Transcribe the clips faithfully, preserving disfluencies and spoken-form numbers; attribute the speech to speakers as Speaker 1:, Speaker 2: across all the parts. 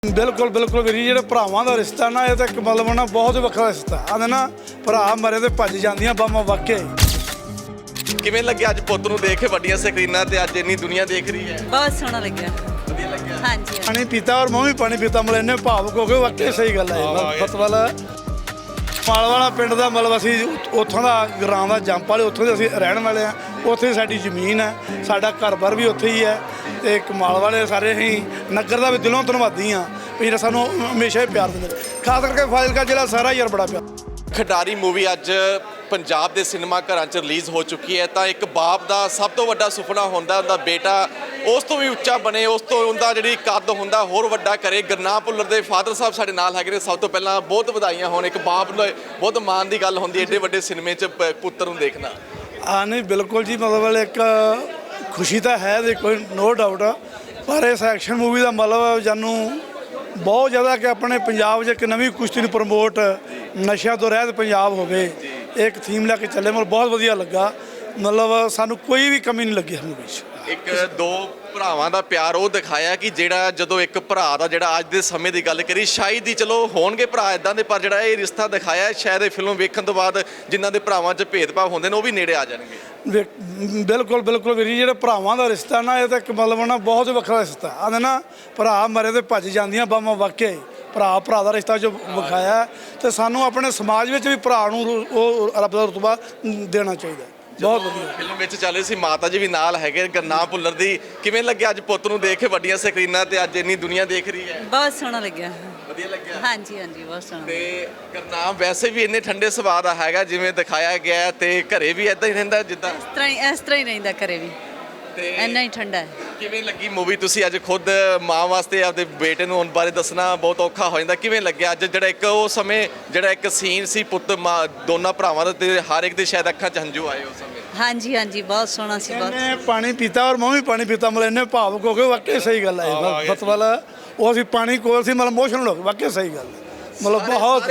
Speaker 1: ਬਿਲਕੁਲ ਬਿਲਕੁਲ ਵੀਰ ਜੀ, ਜਿਹੜੇ ਭਰਾਵਾਂ ਦਾ ਰਿਸ਼ਤਾ ਨਾ ਇਹ ਤਾਂ ਇੱਕ ਮਤਲਬ ਨਾ ਬਹੁਤ ਵੱਖਰਾ ਰਿਸ਼ਤਾ ਆਂਦੇ ਨਾ, ਭਰਾ ਮਰੇ ਤੇ ਭੱਜ ਜਾਂਦੀਆਂ ਬਾਹਾਂ ਵਾਕਿਆ ਹੀ।
Speaker 2: ਕਿਵੇਂ ਲੱਗਿਆ ਅੱਜ ਪੁੱਤ ਨੂੰ ਦੇਖ ਕੇ ਵੱਡੀਆਂ ਸਕਰੀਨਾਂ ਤੇ ਅੱਜ ਇੰਨੀ ਦੁਨੀਆ ਦੇਖ ਰਹੀ ਹੈ?
Speaker 3: ਬਹੁਤ ਸੋਹਣਾ ਲੱਗਿਆ।
Speaker 2: ਵਧੀਆ ਲੱਗਿਆ।
Speaker 3: ਹਾਂਜੀ
Speaker 1: ਪਾਣੀ ਪੀਤਾ ਔਰ ਮੈਂ ਵੀ ਪਾਣੀ ਪੀਤਾ, ਮਤਲਬ ਇੰਨੇ ਭਾਵੁਕ ਹੋ ਗਏ, ਵਾਕਿਆ ਸਹੀ ਗੱਲ ਹੈ। ਫਤਵਾਲ ਮਾਲ ਵਾਲਾ ਪਿੰਡ ਦਾ ਮਤਲਬ ਅਸੀਂ ਉੱਥੋਂ ਦਾ ਗਰਾਂ ਦਾ ਜੰਪ ਵਾਲੇ ਉੱਥੋਂ ਦੇ ਅਸੀਂ ਰਹਿਣ ਵਾਲੇ ਆ, ਉੱਥੇ ਸਾਡੀ ਜ਼ਮੀਨ ਹੈ, ਸਾਡਾ ਘਰ-ਬਾਰ ਵੀ ਉੱਥੇ ਹੀ ਹੈ ਤੇ ਕਮਾਲ ਵਾਲੇ ਸਾਰੇ ਅਸੀਂ ਨਗਰ ਦਾ ਵੀ ਦਿਲੋਂ ਧੰਨਵਾਦੀ ਹਾਂ ਵੀ ਜਿਹੜਾ ਸਾਨੂੰ ਹਮੇਸ਼ਾ ਹੀ ਪਿਆਰ ਦਿੰਦੇ, ਖਾਸ ਕਰਕੇ ਫਾਜ਼ਿਲਕਾ ਜ਼ਿਲ੍ਹਾ ਸਾਰਾ ਯਾਰ ਬੜਾ ਪਿਆਰ।
Speaker 2: ਖਿਡਾਰੀ ਮੂਵੀ ਅੱਜ ਪੰਜਾਬ ਦੇ ਸਿਨੇਮਾ ਘਰਾਂ 'ਚ ਰਿਲੀਜ਼ ਹੋ ਚੁੱਕੀ ਹੈ ਤਾਂ ਇੱਕ ਬਾਪ ਦਾ ਸਭ ਤੋਂ ਵੱਡਾ ਸੁਪਨਾ ਹੁੰਦਾ ਉਹਦਾ ਬੇਟਾ ਉਸ ਤੋਂ ਵੀ ਉੱਚਾ ਬਣੇ, ਉਸ ਤੋਂ ਉਹਦਾ ਜਿਹੜੀ ਕੱਦ ਹੁੰਦਾ ਹੋਰ ਵੱਡਾ ਕਰੇ। ਗੁਰਨਾਮ ਭੁੱਲਰ ਦੇ ਫਾਦਰ ਸਾਹਿਬ ਸਾਡੇ ਨਾਲ ਹੈਗੇ ਨੇ। ਸਭ ਤੋਂ ਪਹਿਲਾਂ ਬਹੁਤ ਵਧਾਈਆਂ ਹੋਣ, ਇੱਕ ਬਾਪ ਨੂੰ ਬਹੁਤ ਮਾਣ ਦੀ ਗੱਲ ਹੁੰਦੀ ਹੈ ਏਡੇ ਵੱਡੇ ਸਿਨੇਮੇ 'ਚ ਪ- ਪੁੱਤਰ ਨੂੰ ਦੇਖਣਾ।
Speaker 1: ਹਾਂ ਨਹੀਂ ਬਿਲਕੁਲ ਜੀ, ਮਤਲਬ ਇੱਕ ਖੁਸ਼ੀ ਤਾਂ ਹੈ ਦੇ ਕੋਈ ਨੋ ਡਾਊਟ, ਪਰ ਇਸ ਐਕਸ਼ਨ ਮੂਵੀ ਦਾ ਮਤਲਬ ਜਾਨੂੰ ਬਹੁਤ ਜ਼ਿਆਦਾ ਕਿ ਆਪਣੇ ਪੰਜਾਬ 'ਚ ਇੱਕ ਨਵੀਂ ਕੁਸ਼ਤੀ ਨੂੰ ਪ੍ਰਮੋਟ, ਨਸ਼ਿਆਂ ਤੋਂ ਰਹਿਤ ਪੰਜਾਬ ਹੋਵੇ, ਇੱਕ ਥੀਮ ਲੈ ਕੇ ਚੱਲੇ, ਮਤਲਬ ਬਹੁਤ ਵਧੀਆ ਲੱਗਾ। ਮਤਲਬ ਸਾਨੂੰ ਕੋਈ ਵੀ ਕਮੀ ਨਹੀਂ ਲੱਗੀ ਇਸ ਮੂਵੀ 'ਚ।
Speaker 2: ਇੱਕ ਦੋ ਭਰਾਵਾਂ ਦਾ ਪਿਆਰ ਉਹ ਦਿਖਾਇਆ ਕਿ ਜਿਹੜਾ ਜਦੋਂ ਇੱਕ ਭਰਾ ਦਾ ਜਿਹੜਾ ਅੱਜ ਦੇ ਸਮੇਂ ਦੀ ਗੱਲ ਕਰੀ, ਸ਼ਾਇਦ ਹੀ ਚਲੋ ਹੋਣਗੇ ਭਰਾ ਇਦਾਂ ਦੇ, ਪਰ ਜਿਹੜਾ ਇਹ ਰਿਸ਼ਤਾ ਦਿਖਾਇਆ ਸ਼ਾਇਦ ਇਹ ਫਿਲਮ ਵੇਖਣ ਤੋਂ ਬਾਅਦ ਜਿਨ੍ਹਾਂ ਦੇ ਭਰਾਵਾਂ 'ਚ ਭੇਦਭਾਵ ਹੁੰਦੇ ਨੇ ਉਹ ਵੀ ਨੇੜੇ ਆ ਜਾਣਗੇ।
Speaker 1: ਵੇ- ਬਿਲਕੁਲ ਬਿਲਕੁਲ ਵੀਰ ਜੀ, ਜਿਹੜੇ ਭਰਾਵਾਂ ਦਾ ਰਿਸ਼ਤਾ ਨਾ ਇਹ ਤਾਂ ਇੱਕ ਮਤਲਬ ਨਾ ਬਹੁਤ ਵੱਖਰਾ ਰਿਸ਼ਤਾ ਆਂਦੇ ਨਾ, ਭਰਾ ਮਰੇ ਤੇ ਭੱਜ ਜਾਂਦੀਆਂ ਬਾਹਾਂ ਵਾਕਿਆ ਹੀ। ਭਰਾ ਭਰਾ ਦਾ ਰਿਸ਼ਤਾ ਜੋ ਵਿਖਾਇਆ ਤੇ ਸਾਨੂੰ ਆਪਣੇ ਸਮਾਜ ਵਿੱਚ ਵੀ ਭਰਾ ਨੂੰ ਉਹ ਰੱਬ ਦਾ ਰੁਤਬਾ ਦੇਣਾ ਚਾਹੀਦਾ। ਬਹੁਤ ਵਧੀਆ
Speaker 2: ਫਿਲਮ ਵਿੱਚ ਚੱਲ ਰਹੀ ਸੀ, ਮਾਤਾ ਜੀ ਵੀ ਨਾਲ ਹੈਗੇ ਗੁਰਨਾਮ ਭੁੱਲਰ ਦੀ। ਕਿਵੇਂ ਲੱਗਿਆ ਅੱਜ ਪੁੱਤ ਨੂੰ ਦੇਖ ਕੇ ਵੱਡੀਆਂ ਸਕਰੀਨਾਂ ਤੇ ਅੱਜ ਇੰਨੀ ਦੁਨੀਆ ਦੇਖ ਰਹੀ ਹੈ?
Speaker 3: ਬਹੁਤ ਸੋਹਣਾ ਲੱਗਿਆ।
Speaker 2: ਵਧੀਆ ਲੱਗਿਆ।
Speaker 3: ਹਾਂਜੀ ਹਾਂਜੀ ਬਹੁਤ ਸੋਹਣਾ।
Speaker 2: ਤੇ ਗੁਰਨਾਮ ਵੈਸੇ ਵੀ ਇੰਨੇ ਠੰਡੇ ਸੁਭਾਅ ਦਾ ਹੈਗਾ ਜਿਵੇਂ ਦਿਖਾਇਆ ਗਿਆ, ਤੇ ਘਰੇ ਵੀ ਇਦਾਂ ਹੀ ਰਹਿੰਦਾ ਜਿੱਦਾਂ?
Speaker 3: ਇਸ ਤਰ੍ਹਾਂ ਹੀ ਇਸ ਤਰ੍ਹਾਂ ਹੀ ਰਹਿੰਦਾ ਘਰੇ ਵੀ,
Speaker 2: ਤੇ
Speaker 3: ਇੰਨਾ ਹੀ ਠੰਡਾ ਹੈ।
Speaker 2: ਕਿਵੇਂ ਲੱਗੀ ਮੂਵੀ? ਤੁਸੀਂ ਅੱਜ ਖੁਦ ਮਾਂ ਵਾਸਤੇ ਆਪਦੇ ਬੇਟੇ ਨੂੰ ਉਹਨਾਂ ਬਾਰੇ ਦੱਸਣਾ ਬਹੁਤ ਔਖਾ ਹੋ ਜਾਂਦਾ, ਕਿਵੇਂ ਲੱਗਿਆ ਅੱਜ ਜਿਹੜਾ ਇੱਕ ਉਹ ਸਮੇਂ ਜਿਹੜਾ ਇੱਕ ਸੀਨ ਸੀ ਪੁੱਤ ਮਾਂ ਦੋਨਾਂ ਭਰਾਵਾਂ ਦਾ ਤੇ ਹਰ ਇੱਕ ਦੇ ਸ਼ਾਇਦ ਅੱਖਾਂ 'ਚ ਹੰਝੂ ਆਏ ਉਸ ਸਮੇਂ?
Speaker 3: ਹਾਂਜੀ ਹਾਂਜੀ ਬਹੁਤ ਸੋਹਣਾ ਸੀ। ਬਹੁਤ
Speaker 1: ਇਹਨੇ ਪਾਣੀ ਪੀਤਾ ਔਰ ਮੈਂ ਵੀ ਪਾਣੀ ਪੀਤਾ, ਮਤਲਬ ਇੰਨੇ ਭਾਵੁਕ ਹੋ ਗਏ, ਵਾਕਿਆ ਸਹੀ ਗੱਲ ਹੈ। ਫਤਵਾਲ ਉਹ ਅਸੀਂ ਪਾਣੀ ਕੋਲ ਸੀ, ਮਤਲਬ ਇਮੋਸ਼ਨਲ ਹੋ ਗਏ, ਵਾਕਿਆ ਸਹੀ ਗੱਲ ਹੈ। ਮਤਲਬ ਬਹੁਤ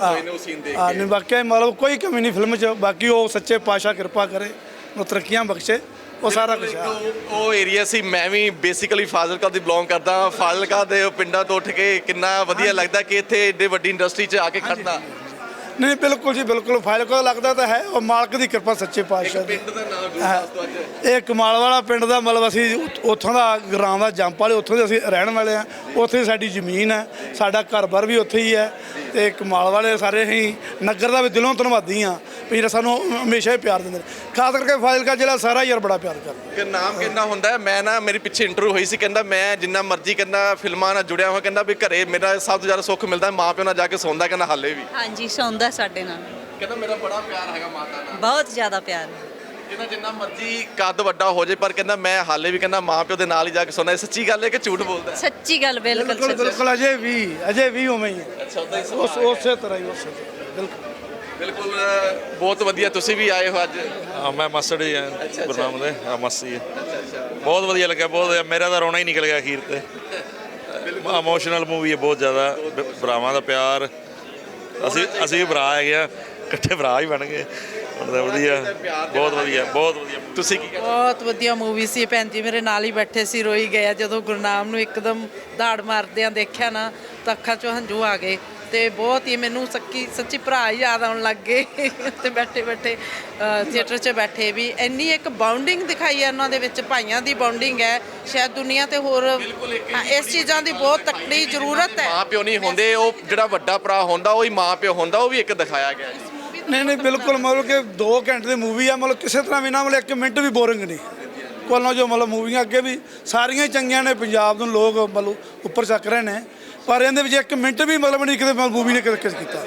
Speaker 1: ਹਾਂ ਨਹੀਂ ਵਾਕਿਆ ਮਤਲਬ ਕੋਈ ਕਮੀ ਨਹੀਂ ਫਿਲਮ 'ਚ। ਬਾਕੀ ਉਹ ਸੱਚੇ ਪਾਤਸ਼ਾਹ ਕਿਰਪਾ ਕਰੇ, ਉਹ ਤਰੱਕੀਆਂ ਬਖਸ਼ੇ, ਉਹ ਸਾਰਾ ਕੁਝ ਹੈ।
Speaker 2: ਉਹ ਏਰੀਆ ਸੀ, ਮੈਂ ਵੀ ਬੇਸਿਕਲੀ ਫਾਜ਼ਿਲਕਾ ਦੀ ਬਿਲੋਂਗ ਕਰਦਾ। ਫਾਜ਼ਿਲਕਾ ਦੇ ਪਿੰਡਾਂ ਤੋਂ ਉੱਠ ਕੇ ਕਿੰਨਾ ਵਧੀਆ ਲੱਗਦਾ ਕਿ ਇੱਥੇ ਏਡੇ ਵੱਡੀ ਇੰਡਸਟਰੀ 'ਚ ਆ ਕੇ ਖੜਨਾ।
Speaker 1: ਨਹੀਂ ਬਿਲਕੁਲ ਜੀ ਬਿਲਕੁਲ, ਫਾਜ਼ਿਲਕਾ ਲੱਗਦਾ ਤਾਂ ਹੈ, ਉਹ ਮਾਲਕ ਦੀ ਕਿਰਪਾ ਸੱਚੇ ਪਾਤਸ਼ਾਹ ਦੀ।
Speaker 2: ਪਿੰਡ ਦਾ ਨਾਮ ਦੱਸ ਦਿਓ ਅੱਜ।
Speaker 1: ਇਹ ਕਮਾਲ ਵਾਲਾ ਪਿੰਡ ਦਾ ਮਤਲਬ ਅਸੀਂ ਉੱਥੋਂ ਦਾ ਗਰਾਂ ਦਾ ਜੰਪ ਵਾਲੇ ਉੱਥੋਂ ਦੇ ਅਸੀਂ ਰਹਿਣ ਵਾਲੇ ਆ, ਉੱਥੇ ਸਾਡੀ ਜ਼ਮੀਨ ਹੈ, ਸਾਡਾ ਘਰ-ਬਾਰ ਵੀ ਉੱਥੇ ਹੀ ਹੈ ਤੇ ਕਮਾਲ ਵਾਲੇ ਸਾਰੇ ਅਸੀਂ ਨਗਰ ਦਾ ਵੀ ਦਿਲੋਂ ਧੰਨਵਾਦੀ ਹਾਂ ਵੀ ਜਿਹੜਾ ਸਾਨੂੰ ਹਮੇਸ਼ਾ ਹੀ ਪਿਆਰ ਦਿੰਦੇ, ਖਾਸ ਕਰਕੇ ਫਾਜ਼ਿਲਕਾ ਜ਼ਿਲ੍ਹਾ ਸਾਰਾ ਯਾਰ ਬੜਾ ਪਿਆਰ ਕਰਦਾ।
Speaker 2: ਗੁਰਨਾਮ ਕਹਿੰਦਾ ਹੁੰਦਾ, ਮੈਂ ਨਾ ਮੇਰੀ ਪਿੱਛੇ ਇੰਟਰਵਿਊ ਹੋਈ ਸੀ, ਕਹਿੰਦਾ ਮੈਂ ਜਿੰਨਾ ਮਰਜ਼ੀ ਕਹਿੰਦਾ ਫਿਲਮਾਂ ਨਾਲ ਜੁੜਿਆ ਹੋਇਆ, ਕਹਿੰਦਾ ਵੀ ਘਰੇ ਮੇਰਾ ਸਭ ਤੋਂ ਜ਼ਿਆਦਾ ਸੁੱਖ ਮਿਲਦਾ ਮਾਂ ਪਿਓ ਨਾਲ ਜਾ ਕੇ ਸੌਂਦਾ, ਕਹਿੰਦਾ ਹਾਲੇ ਵੀ।
Speaker 3: ਹਾਂਜੀ ਸੌਂਦਾ ਸਾਡੇ ਨਾਲ,
Speaker 2: ਕਹਿੰਦਾ ਮੇਰਾ ਬੜਾ ਪਿਆਰ ਹੈਗਾ ਮਾਤਾ ਨਾਲ,
Speaker 3: ਬਹੁਤ ਜ਼ਿਆਦਾ ਪਿਆਰ।
Speaker 2: ਕਹਿੰਦਾ ਜਿੰਨਾ ਮਰਜ਼ੀ ਕੱਦ ਵੱਡਾ ਹੋ ਜਾਏ ਪਰ ਕਹਿੰਦਾ ਮੈਂ ਹਾਲੇ ਵੀ ਕਹਿੰਦਾ ਮਾਂ ਪਿਓ ਦੇ ਨਾਲ ਹੀ ਜਾ ਕੇ ਸੌਂਦਾ। ਇਹ ਸੱਚੀ ਗੱਲ ਹੈ ਕਿ ਝੂਠ ਬੋਲਦਾ?
Speaker 3: ਸੱਚੀ ਗੱਲ, ਬਿਲਕੁਲ
Speaker 1: ਬਿਲਕੁਲ
Speaker 3: ਸੱਚੀ।
Speaker 1: ਬਿਲਕੁਲ ਅਜੇ ਵੀ ਅਜੇ ਵੀ ਉਵੇਂ ਹੀ ਹੈ।
Speaker 2: ਅੱਛਾ, ਉਦਾਂ ਹੀ
Speaker 1: ਉਸ ਉਸੇ ਤਰ੍ਹਾਂ ਹੀ ਉਸੇ ਤਰ੍ਹਾਂ ਬਿਲਕੁਲ
Speaker 2: ਬਿਲਕੁਲ। ਬਹੁਤ ਵਧੀਆ, ਤੁਸੀਂ ਵੀ ਆਏ ਹੋ ਅੱਜ?
Speaker 4: ਹਾਂ ਮੈਂ ਮਾਸੜ ਹੀ ਆ ਗੁਰਨਾਮ ਦੇ, ਹਾਂ ਮਾਸੀ ਹੈ। ਬਹੁਤ ਵਧੀਆ ਲੱਗਿਆ, ਬਹੁਤ ਵਧੀਆ। ਮੇਰਾ ਤਾਂ ਰੋਣਾ ਹੀ ਨਿਕਲ ਗਿਆ ਅਖੀਰ ਤੇ। ਇਮੋਸ਼ਨਲ ਮੂਵੀ ਹੈ ਬਹੁਤ ਜ਼ਿਆਦਾ, ਭਰਾਵਾਂ ਦਾ ਪਿਆਰ। ਅਸੀਂ ਅਸੀਂ ਵੀ ਭਰਾ ਹੈਗੇ ਆ, ਇਕੱਠੇ ਭਰਾ ਹੀ ਬਣ ਗਏ। ਵਧੀਆ, ਬਹੁਤ ਵਧੀਆ, ਬਹੁਤ ਵਧੀਆ। ਤੁਸੀਂ ਕੀ ਕਹਿੰਦੇ?
Speaker 5: ਬਹੁਤ ਵਧੀਆ ਮੂਵੀ ਸੀ। ਭੈਣ ਜੀ ਮੇਰੇ ਨਾਲ ਹੀ ਬੈਠੇ ਸੀ, ਰੋਈ ਗਏ ਜਦੋਂ ਗੁਰਨਾਮ ਨੂੰ ਇੱਕਦਮ ਦਾੜ ਮਾਰਦਿਆਂ ਦੇਖਿਆ ਨਾ ਤਾਂ ਅੱਖਾਂ 'ਚੋਂ ਹੰਝੂ ਆ ਗਏ ਤੇ ਬਹੁਤ ਹੀ ਮੈਨੂੰ ਸੱਚੀ ਸੱਚੀ ਭਰਾ ਹੀ ਯਾਦ ਆਉਣ ਲੱਗ ਗਏ ਤੇ ਬੈਠੇ ਬੈਠੇ ਥੀਏਟਰ 'ਚ ਬੈਠੇ ਵੀ ਇੰਨੀ ਇੱਕ ਬਾਉਂਡਿੰਗ ਦਿਖਾਈ ਹੈ ਉਹਨਾਂ ਦੇ ਵਿੱਚ, ਭਾਈਆਂ ਦੀ ਬਾਉਂਡਿੰਗ ਹੈ, ਸ਼ਾਇਦ ਦੁਨੀਆ ਤੇ ਹੋਰ ਇਸ ਚੀਜ਼ਾਂ ਦੀ ਬਹੁਤ ਤਕੜੀ ਜ਼ਰੂਰਤ ਹੈ।
Speaker 2: ਮਾਂ ਪਿਓ ਨਹੀਂ ਹੁੰਦੇ, ਉਹ ਜਿਹੜਾ ਵੱਡਾ ਭਰਾ ਹੁੰਦਾ ਉਹ ਹੀ ਮਾਂ ਪਿਓ ਹੁੰਦਾ, ਉਹ ਵੀ ਇੱਕ ਦਿਖਾਇਆ ਗਿਆ।
Speaker 1: ਨਹੀਂ ਨਹੀਂ ਬਿਲਕੁਲ, ਮਤਲਬ ਕਿ ਦੋ ਘੰਟੇ ਦੀ ਮੂਵੀ ਆ, ਮਤਲਬ ਕਿਸੇ ਤਰ੍ਹਾਂ ਵੀ ਨਾ ਮਤਲਬ ਇੱਕ ਮਿੰਟ ਵੀ ਬੋਰਿੰਗ ਨਹੀਂ। ਕੋਲੋਂ ਜੋ ਮਤਲਬ ਮੂਵੀਆਂ ਅੱਗੇ ਵੀ ਸਾਰੀਆਂ ਹੀ ਚੰਗੀਆਂ ਨੇ, ਪੰਜਾਬ ਨੂੰ ਲੋਕ ਮਤਲਬ ਉੱਪਰ ਚੱਕ ਰਹੇ ਨੇ, ਪਰ ਇਹਦੇ ਵਿੱਚ ਇੱਕ ਮਿੰਟ ਵੀ ਮਤਲਬ ਨਹੀਂ ਕਿਤੇ ਮੂਵੀ ਨੇ ਕਿਤੇ ਕੀਤਾ।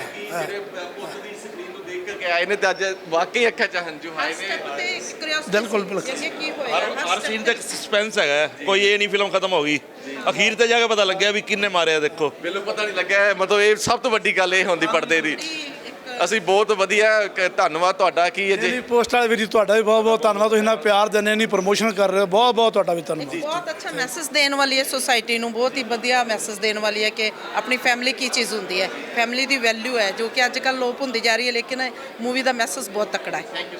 Speaker 2: ਆਏ ਨੇ ਤੇ ਅੱਜ ਵਾਕਈ ਅੱਖਾਂ 'ਚ ਹੰਝੂ ਆਏ ਨੇ।
Speaker 1: ਬਿਲਕੁਲ ਬਿਲਕੁਲ
Speaker 5: ਕੀ ਹੋਇਆ
Speaker 4: ਹਰ ਸੀਨ ਤੇ ਸਸਪੈਂਸ ਹੈਗਾ, ਕੋਈ ਇਹ ਨਹੀਂ ਫਿਲਮ ਖਤਮ ਹੋ ਗਈ, ਅਖੀਰ ਤੇ ਜਾ ਕੇ ਪਤਾ ਲੱਗਿਆ ਵੀ ਕਿੰਨੇ ਮਾਰਿਆ। ਦੇਖੋ
Speaker 2: ਮੈਨੂੰ ਪਤਾ ਨਹੀਂ ਲੱਗਿਆ, ਮਤਲਬ ਇਹ ਸਭ ਤੋਂ ਵੱਡੀ ਗੱਲ ਇਹ ਹੁੰਦੀ ਪਰਦੇ ਦੀ। ਅਸੀਂ ਬਹੁਤ ਵਧੀਆ, ਕ- ਧੰਨਵਾਦ ਤੁਹਾਡਾ ਕਿ ਇਹ
Speaker 1: ਜੀ ਪੋਸਟ ਵਾਲੇ ਵੀਰ ਜੀ ਤੁਹਾਡਾ ਵੀ ਬਹੁਤ ਬਹੁਤ ਧੰਨਵਾਦ, ਤੁਸੀਂ ਇੰਨਾ ਪਿਆਰ ਦਿੰਦੇ, ਇੰਨੀ ਪ੍ਰਮੋਸ਼ਨ ਕਰ ਰਹੇ ਹੋ, ਬਹੁਤ ਬਹੁਤ ਤੁਹਾਡਾ ਵੀ ਧੰਨਵਾਦ।
Speaker 5: ਬਹੁਤ ਅੱਛਾ ਮੈਸੇਜ ਦੇਣ ਵਾਲੀ ਹੈ ਸੋਸਾਇਟੀ ਨੂੰ, ਬਹੁਤ ਹੀ ਵਧੀਆ ਮੈਸੇਜ ਦੇਣ ਵਾਲੀ ਹੈ ਕਿ ਆਪਣੀ ਫੈਮਿਲੀ ਕੀ ਚੀਜ਼ ਹੁੰਦੀ ਹੈ, ਫੈਮਿਲੀ ਦੀ ਵੈਲਿਊ ਹੈ ਜੋ ਕਿ ਅੱਜ ਕੱਲ੍ਹ ਲੋਪ ਹੁੰਦੀ ਜਾ ਰਹੀ ਹੈ, ਲੇਕਿਨ ਮੂਵੀ ਦਾ ਮੈਸੇਜ ਬਹੁਤ ਤਕੜਾ ਹੈ।